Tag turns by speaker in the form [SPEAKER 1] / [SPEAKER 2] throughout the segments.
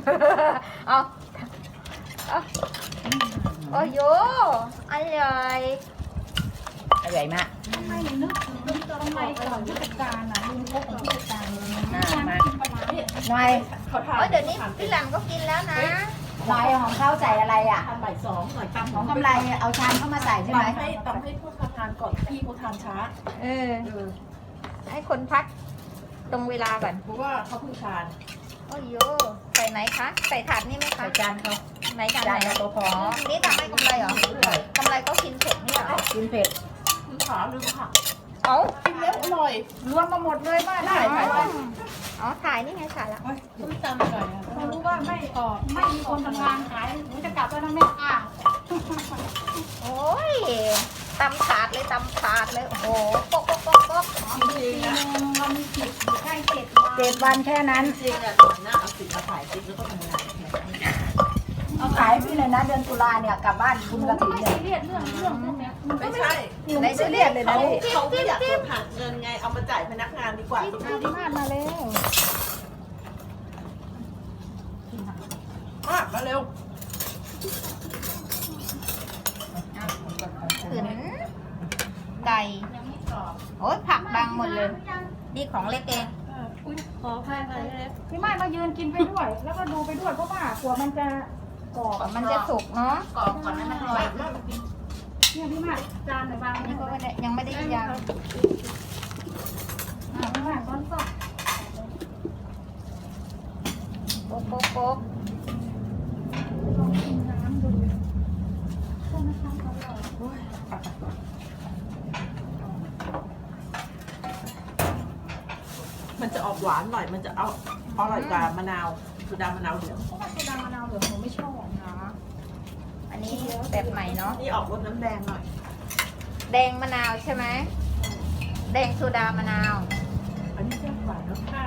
[SPEAKER 1] เอาเอาโอ้โยอร่อยอร่อยมาก
[SPEAKER 2] ไม่นึกถึงทำไมก่อนผู้จัดการน่ะลุงพบกับผู้จัดการ
[SPEAKER 1] มา
[SPEAKER 2] กินปลาร้าเนี่ย
[SPEAKER 1] หน่อย
[SPEAKER 3] เขาทาน
[SPEAKER 1] โอ้ยเดี๋ยวนี้พี่หลังก็กินแล้วนะ
[SPEAKER 4] หน่อยของเขาใส่อะไรอ่ะ
[SPEAKER 3] ทานบ่ายสองหน่อยตำ
[SPEAKER 4] ของกำไรเอาชามเข้ามาใส่ใช่ไหม
[SPEAKER 3] ตำให้พวกเขาทานก่อนพี่เขาทานช้า
[SPEAKER 1] เออให้คนพักตรงเวลาก่อน
[SPEAKER 3] เพราะว่าเขาเพิ่งทาน
[SPEAKER 1] โอ้โยใส่ไหนคะ ใส่ถาดนี่ไหมคะ
[SPEAKER 3] ใส่จานเขา
[SPEAKER 1] ไหนจาน
[SPEAKER 4] จา
[SPEAKER 1] ไห
[SPEAKER 4] น
[SPEAKER 1] น
[SPEAKER 4] ตัวพอ
[SPEAKER 1] นี่ทำให้กำไรเหรอกำไรก็กินเผ็ดนี่เหรอ
[SPEAKER 4] กินเผ็ด
[SPEAKER 3] คุณขาลืมผัก
[SPEAKER 1] เอ้า
[SPEAKER 3] กินแล้วอร่อย
[SPEAKER 4] รวมมาหมดเลยบ้าน
[SPEAKER 3] ได้
[SPEAKER 1] อ๋อถ่ายนี่ไงถ่ายละ
[SPEAKER 3] ส้มตำอร่อย
[SPEAKER 2] เขารู้ว่าไม่มีคนทำงานขายหนูจะกลับแล้วนะแม่อ้าว
[SPEAKER 1] โอ้ยตำถาดเลยตำถาดเลยโอ้โหปกปกปกปก
[SPEAKER 3] จริงๆนะ
[SPEAKER 2] เรามีสิทธิ์อยู่ใกล้7 วัน
[SPEAKER 4] 7 วันแค่นั้น
[SPEAKER 3] จริงๆอ่ะหน้าเอาสินมาถ่ายคลิปแล้วก็ทำงาน
[SPEAKER 4] เอาขายพี่เลยนะเดือนตุลาเนี่ยกลับบ้านคุณกระถิ่น
[SPEAKER 2] ไม่
[SPEAKER 4] เนี่ย
[SPEAKER 2] ซีเรียสเรื่องพวกเนี้ย
[SPEAKER 3] ไม่ใช่
[SPEAKER 4] ในซีเรียสเลยนะพี่
[SPEAKER 3] เขาไม่อยากโดนหักเงินไงเอามาจ่ายพนักงานดีกว่าตรงนี้
[SPEAKER 1] มาดมาเร็ว
[SPEAKER 3] มากมาเร็ว
[SPEAKER 1] ขืนไก่โอ้ยผักบังหมดเลย นี่ของเล็กเอง
[SPEAKER 3] ขอพายมาเลย
[SPEAKER 2] พี่ไม่มายืนกินไปด้วย แล้วก็ดูไปด้วยเพราะว่ากลัวมันจะกรอบ
[SPEAKER 1] มันจะสุกเนาะ
[SPEAKER 3] กรอบก่อนนะมันอร่อยมาก
[SPEAKER 2] เนี่ยพี่มาจานไหนบาง
[SPEAKER 1] นี่
[SPEAKER 2] นี่
[SPEAKER 1] ก็
[SPEAKER 2] ก็
[SPEAKER 1] ไม่ได้ยังไม่ได้ยาง
[SPEAKER 2] พี่มาตอนสอบ
[SPEAKER 1] โป๊กโป๊กโป๊ก
[SPEAKER 2] ลองกินน้ำดูใช่ไหมคะอร่อย
[SPEAKER 3] มันจะออกหวานหน่อยมันจะเอาอร่อยกว่ามะนาวคือดามะนาวเหลือง
[SPEAKER 2] เพราะว่าโซดามะนาวเหลืองหนูไม่ชอบ
[SPEAKER 1] เนาะอันนี้แบบใหม่เนาะ
[SPEAKER 3] นี่ออกรสน้ำแดงหน่อย
[SPEAKER 1] แดงมะนาวใช่ไหมแดงโซดามะนาว
[SPEAKER 3] อันนี้แซ่บกว่าแล้วค่ะ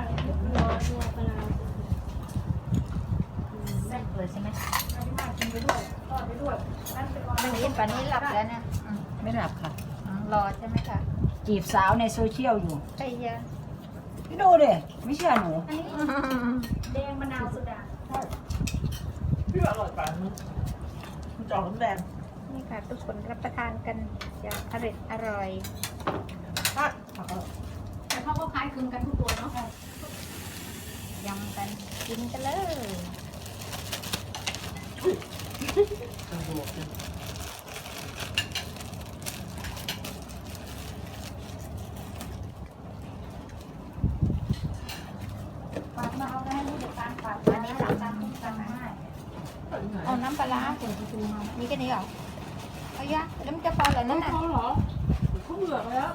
[SPEAKER 1] แซ่บเลยใช่ไหม
[SPEAKER 2] พี่มากินไปด้วยทอดไปด้วยนั่นเป็นวัน
[SPEAKER 1] วันนี้ป่านนี้หลับแล้วเนี่ย
[SPEAKER 4] ไม่หลับค่ะ
[SPEAKER 1] รอใช่ไหมคะ
[SPEAKER 4] จีบสาวในโซเชียลอยู่
[SPEAKER 1] ไอ้ยา
[SPEAKER 4] พี่ดูดิไม่เชื่อหนู
[SPEAKER 2] อันนี้แดงมะนาวโซดา
[SPEAKER 3] พี่ว่าอร่อยกว่ามันจะออกน้ำแดง
[SPEAKER 1] นี่ค่ะทุกคนรับประทานกันอย่างอร่อย
[SPEAKER 3] ถ้าผักอร่อย
[SPEAKER 2] แต่เขาก็คล้ายคลึงกันทุกตัวเนาะ
[SPEAKER 1] ยำกันกินกันเลย
[SPEAKER 2] ฝากมาเอาได้ให้ผู้จัดการฝาก
[SPEAKER 1] อันนี้สั่งตามที่สั่งให้เอาน้ำปลาร้าผงชูมามีแค่นี้เหรอเอายะแล้วมันจะพอเหรอนั่นน่ะ
[SPEAKER 3] เขาเหรอเขาเบื่อไปแล้ว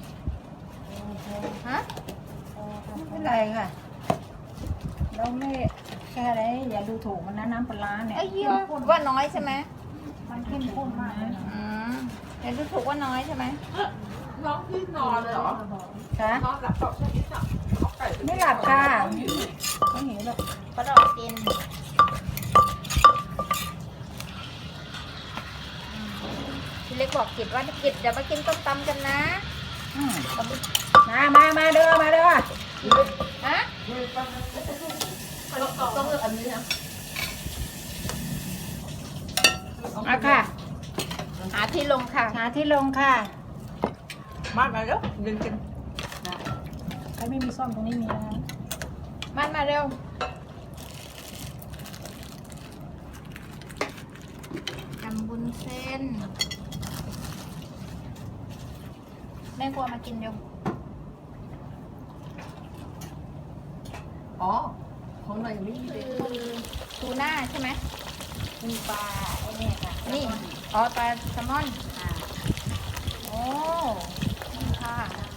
[SPEAKER 1] ฮะ
[SPEAKER 4] ไม่เป็นไรค่ะ เราไม่แค่อะไรอย่าดูถูกมันนะน้ำปลาร้าเนี่ย
[SPEAKER 1] ไอ้เหี้ยว่าน้อยใช่ไหม
[SPEAKER 2] มันเข้มข้นมากเลยนะ
[SPEAKER 1] อืมเดี๋ยวดูถูกว่าน้อยใช่ไหม
[SPEAKER 3] น้องพี่นอนเลยเหรอ
[SPEAKER 4] ค่ะ
[SPEAKER 3] นอนหลับตอบแค่นี้จ้ะเอาไก่ป
[SPEAKER 4] ไม่หลับค่ะไม่เห็นหรอก
[SPEAKER 1] ก็ดอกกินพี่เล็กบอกกิจว่ากิจเดี๋ยวมากินต้มตำกันนะ
[SPEAKER 4] อืมมาเด้อมาเด้อ
[SPEAKER 1] ฮะ
[SPEAKER 3] ต้องเลือกอันนี้นะ
[SPEAKER 4] เอาค่ะ
[SPEAKER 1] หาที่ลงค่ะ
[SPEAKER 4] หาที่ลงค่ะ
[SPEAKER 3] มากเลยแล้วเดินกิน
[SPEAKER 4] ใครไม่มีซ่อมตรงนี้มีนะ
[SPEAKER 1] มาเร็วทำบุญเส้น แม่กลัวมากินเร็ว
[SPEAKER 3] อ๋อของหน่อยยังไม่มีเล
[SPEAKER 1] คื
[SPEAKER 3] ย
[SPEAKER 1] อทูน่าใช่ไหม
[SPEAKER 4] มีปลาไอ้เนี่ยค่ะ
[SPEAKER 1] นี่อ๋อปลาแซลมอนโอ้นี่ค่ะ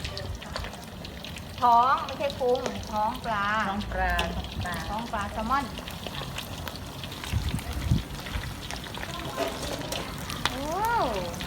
[SPEAKER 1] ท้องไม่ใช่พุงท้องปลา
[SPEAKER 4] น้องปลาปลา
[SPEAKER 1] ท้องปลาแซลมอนโอ้